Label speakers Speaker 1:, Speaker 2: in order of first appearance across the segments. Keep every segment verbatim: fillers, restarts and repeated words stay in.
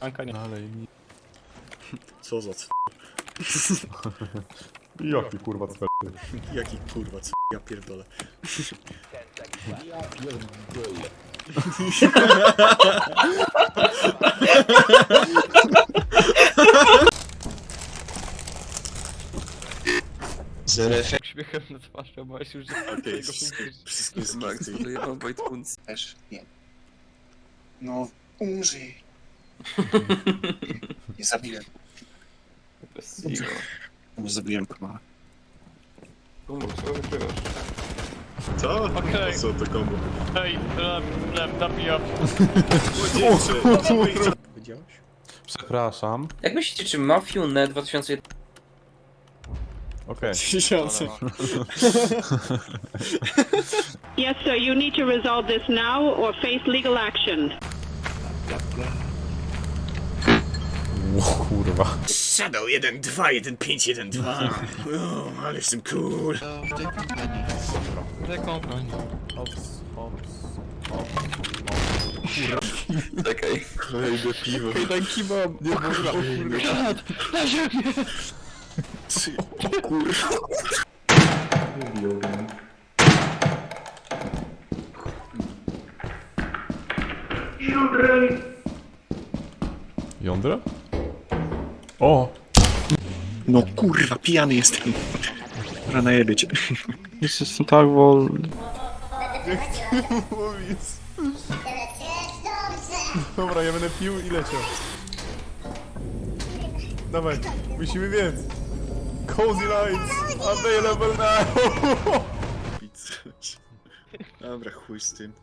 Speaker 1: Anka nie.
Speaker 2: Dalej mi.
Speaker 3: Co za c...
Speaker 2: Jaki kurwa cwer.
Speaker 3: Jaki kurwa c... Ja pierdolę.
Speaker 2: Ja pierdolę.
Speaker 1: Uśmiechem na twarzy, bo już jest
Speaker 3: Okej, wszystko, wszystko jest
Speaker 4: Max dojebał Wojtkunc.
Speaker 5: Też nie. No, umrzyj. Nie zabiłem.
Speaker 4: Bez siła.
Speaker 5: Nie zabiłem kurwa.
Speaker 4: Kumbo, co wygrywasz?
Speaker 3: Co?
Speaker 1: Okej.
Speaker 3: Co to kombo?
Speaker 1: Hej, lem, lem, napijam.
Speaker 3: Widziałeś?
Speaker 2: Przepraszam.
Speaker 4: Jak myślicie, czy Mafiune dwa tysiące jeden...
Speaker 2: Okej.
Speaker 3: Tysiące.
Speaker 6: Yes, sir. You need to resolve this now or face legal action.
Speaker 2: O kurwa.
Speaker 3: Shadow jeden dwa jeden pięć jeden dwa. O, ale jestem cool.
Speaker 1: Rekompań.
Speaker 2: Ops, ops.
Speaker 4: Czekaj.
Speaker 2: Kolejne piwo. Daj kibam. Nie kurwa.
Speaker 1: Na ziemię!
Speaker 3: Kurwa.
Speaker 2: Jądra? O!
Speaker 3: No kurwa, pijany jestem. Dobra, najebie cię.
Speaker 1: Jestem tak wolny.
Speaker 2: Mówić. Dobra, ja będę pił i leciał. Dawaj, musimy więc. Cozy lights available now.
Speaker 3: Dobra, chuj z tym.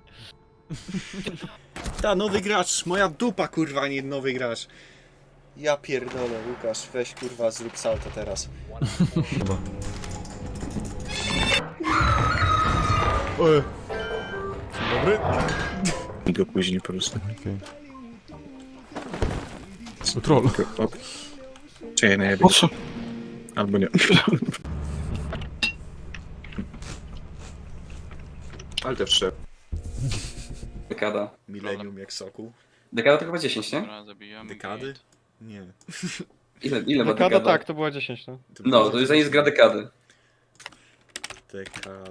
Speaker 3: Ta, nowy gracz, moja dupa kurwa, a nie nowy gracz. Ja pierdolę, Łukasz, weź kurwa, zrób salto teraz.
Speaker 2: Oj. Dobry?
Speaker 3: I go później po prostu.
Speaker 2: Okej. Okay. Troll.
Speaker 3: Czy ja najebie? Albo nie. Ale też szef.
Speaker 4: Dekada.
Speaker 3: Millennium jak soku.
Speaker 4: Dekada to chyba dziesięć, nie?
Speaker 3: Dekady? Nie.
Speaker 4: Ile, ile ma
Speaker 1: Dekada
Speaker 4: dekada?
Speaker 1: tak, to była dziesięć, no.
Speaker 4: No, to jest za nic gra dekady.
Speaker 3: Dekada.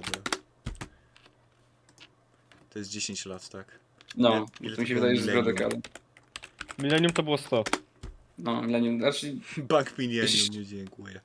Speaker 3: To jest dziesięć lat, tak?
Speaker 4: No,
Speaker 3: Ile- ile
Speaker 4: to mi się
Speaker 3: to
Speaker 4: wydaje,
Speaker 3: było
Speaker 4: że jest gra
Speaker 3: millennium?
Speaker 4: dekady.
Speaker 1: Millennium to było sto.
Speaker 4: No, Millennium, znaczy...
Speaker 3: Bank Millennium,
Speaker 4: Jeśli-
Speaker 3: nie dziękuję.